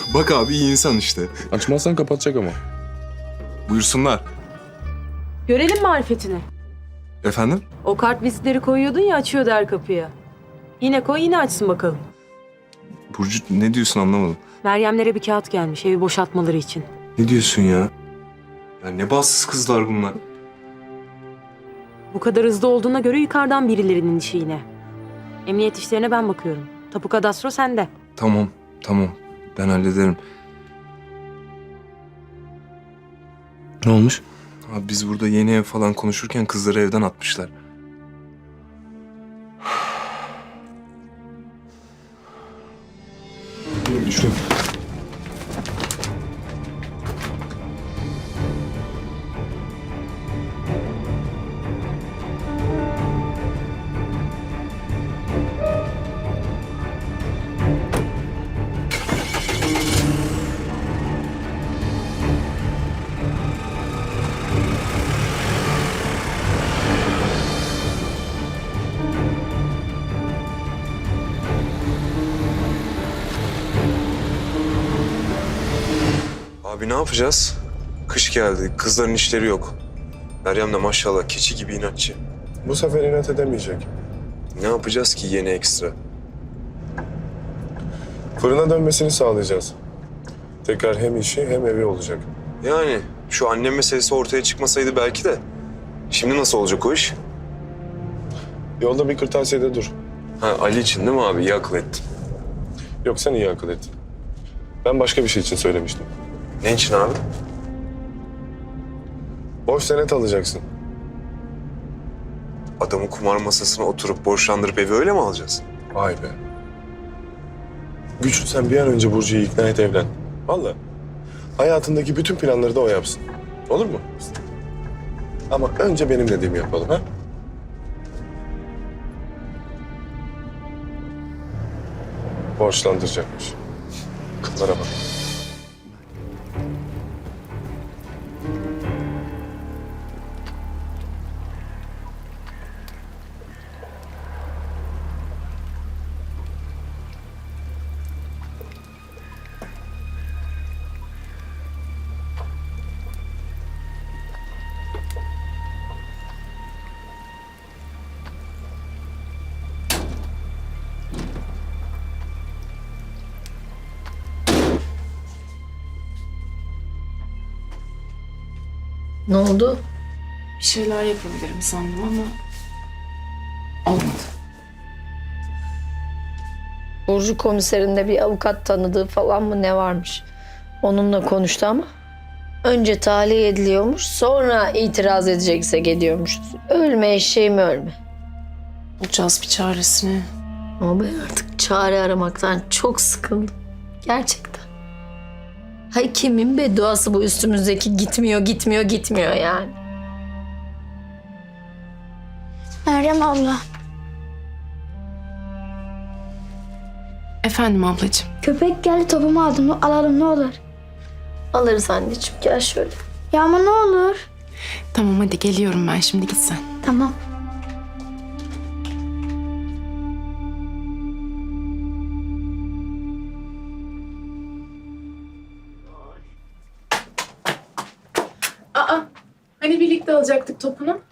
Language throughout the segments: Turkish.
Bak abi iyi insan işte. Açmazsan kapatacak ama. Buyursunlar. Görelim marifetini. Efendim? O kart vizitleri koyuyordun ya, açıyordu her kapıya. Yine koy, yine açsın bakalım. Burcu ne diyorsun anlamadım. Meryemlere bir kağıt gelmiş evi boşaltmaları için. Ne diyorsun ya? Ya ne bahtsız kızlar bunlar. Bu kadar hızlı olduğuna göre yukarıdan birilerinin işi yine. Emniyet işlerine ben bakıyorum. Tapu kadastro sende. Tamam, tamam. Ben hallederim. Ne olmuş? Abi biz burada yeni ev falan konuşurken kızları evden atmışlar. Şuraya. Abi ne yapacağız? Kış geldi, kızların işleri yok. Meryem de maşallah keçi gibi inatçı. Bu sefer inat edemeyecek. Ne yapacağız ki yeni ekstra? Fırına dönmesini sağlayacağız. Tekrar hem işi hem evi olacak. Yani şu annem meselesi ortaya çıkmasaydı belki de. Şimdi nasıl olacak o iş? Yolda bir kırtasiyede dur. Ha Ali için değil mi abi? İyi akıl ettin. Yok sen iyi akıl ettin. Ben başka bir şey için söylemiştim. Ne için abi? Boş senet alacaksın. Adamı kumar masasına oturup borçlandırıp evi öyle mi alacağız? Vay be. Güçlü sen bir an önce Burcu'yu ikna et evlen. Vallahi. Hayatındaki bütün planları da o yapsın. Olur mu? Ama önce benim dediğimi yapalım ha? Borçlandıracakmış. Kızlara bak. Ne oldu? Bir şeyler yapabilirim sandım ama olmadı. Burcu komiserinde bir avukat tanıdığı falan mı ne varmış? Onunla konuştu ama önce tahliye ediliyormuş, sonra itiraz edecekse geliyormuş. Ölme eşeğim ölme. Bulacağız bir çaresini. Ama ben artık çare aramaktan çok sıkıldım. Gerçekten. Hay kimin bedduası bu üstümüzdeki gitmiyor yani. Meryem abla, Efendim ablacığım. köpek geldi topumu aldım. Alalım ne olur. Alırız anneciğim, gel şöyle. Ya ama ne olur. Tamam hadi geliyorum ben şimdi git sen. Tamam. Aa hani birlikte alacaktık topunu?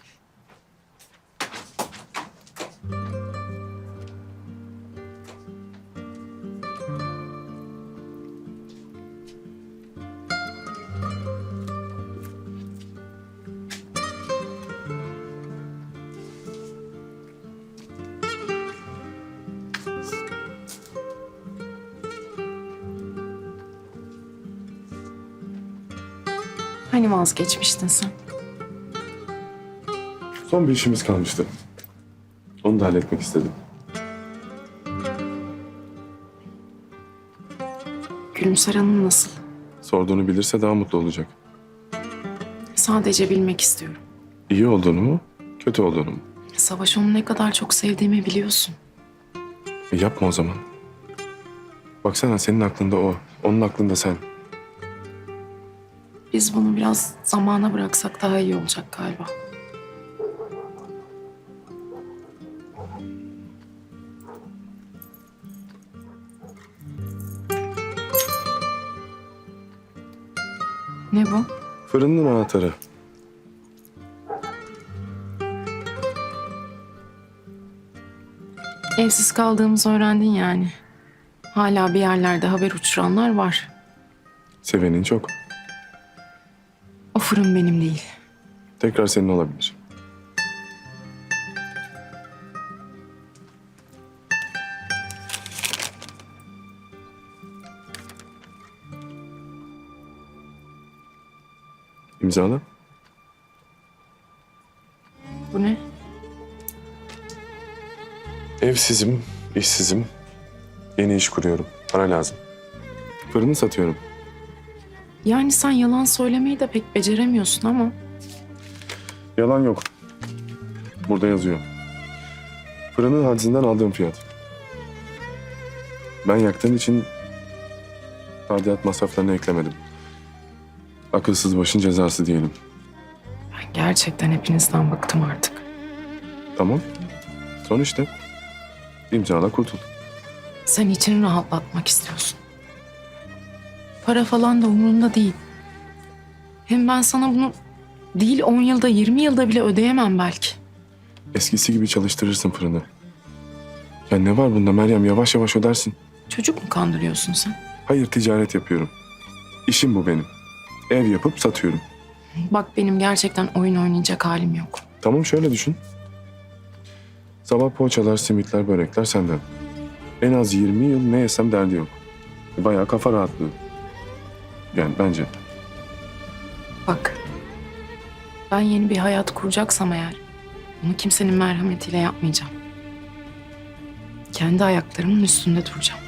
Hani vazgeçmiştin sen? Son bir işimiz kalmıştı. Onu da halletmek istedim. Gülümser Hanım nasıl? Sorduğunu bilirse daha mutlu olacak. Sadece bilmek istiyorum. İyi olduğunu mu, kötü olduğunu mu? Savaş onu ne kadar çok sevdiğimi biliyorsun. Yapma o zaman. Baksana senin aklında o, onun aklında sen. Biz bunu biraz zamana bıraksak daha iyi olacak galiba. Ne bu? Fırının anahtarı. Evsiz kaldığımızı öğrendin yani. Hala bir yerlerde haber uçuranlar var. Sevenin çok. O fırın benim değil. Tekrar senin olabilir. İmzala. Bu ne? Evsizim, işsizim. Yeni iş kuruyorum. Para lazım. Fırını satıyorum. Yani sen yalan söylemeyi de pek beceremiyorsun ama. Yalan yok. Burada yazıyor. Fırının hadisinden aldığım fiyat. Ben yaktığım için tadilat masraflarını eklemedim. Akılsız başın cezası diyelim. Ben gerçekten hepinizden bıktım artık. Tamam. Son işte. İmzala kurtul. Sen içini rahatlatmak istiyorsun. Para falan da umurunda değil. Hem ben sana bunu değil 10 yılda 20 yılda bile ödeyemem belki. Eskisi gibi çalıştırırsın fırını. Ya ne var bunda Meryem? Yavaş yavaş ödersin. Çocuk mu kandırıyorsun sen? Hayır, ticaret yapıyorum. İşim bu benim. Ev yapıp satıyorum. Bak benim gerçekten oyun oynayacak halim yok. Tamam, şöyle düşün. Sabah poğaçalar, simitler, börekler senden. En az 20 yıl ne yesem derdi yok. Bayağı kafa rahatlığı. Yani bence. Bak ben yeni bir hayat kuracaksam eğer bunu kimsenin merhametiyle yapmayacağım. Kendi ayaklarımın üstünde duracağım.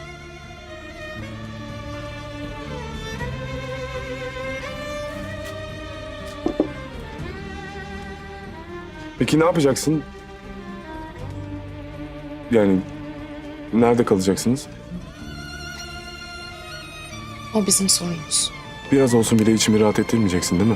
Peki ne yapacaksın? Yani nerede kalacaksınız? O bizim sorunumuz. Biraz olsun bile içimi rahat ettirmeyeceksin değil mi?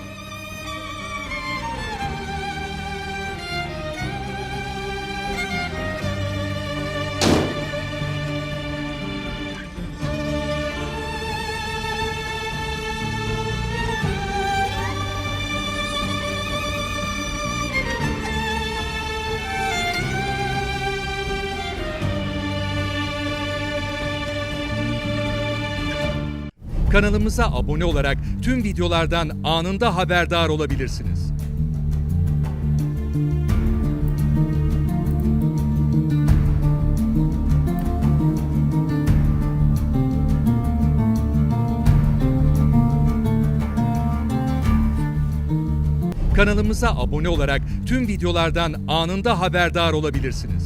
Kanalımıza abone olarak tüm videolardan anında haberdar olabilirsiniz. Kanalımıza abone olarak tüm videolardan anında haberdar olabilirsiniz.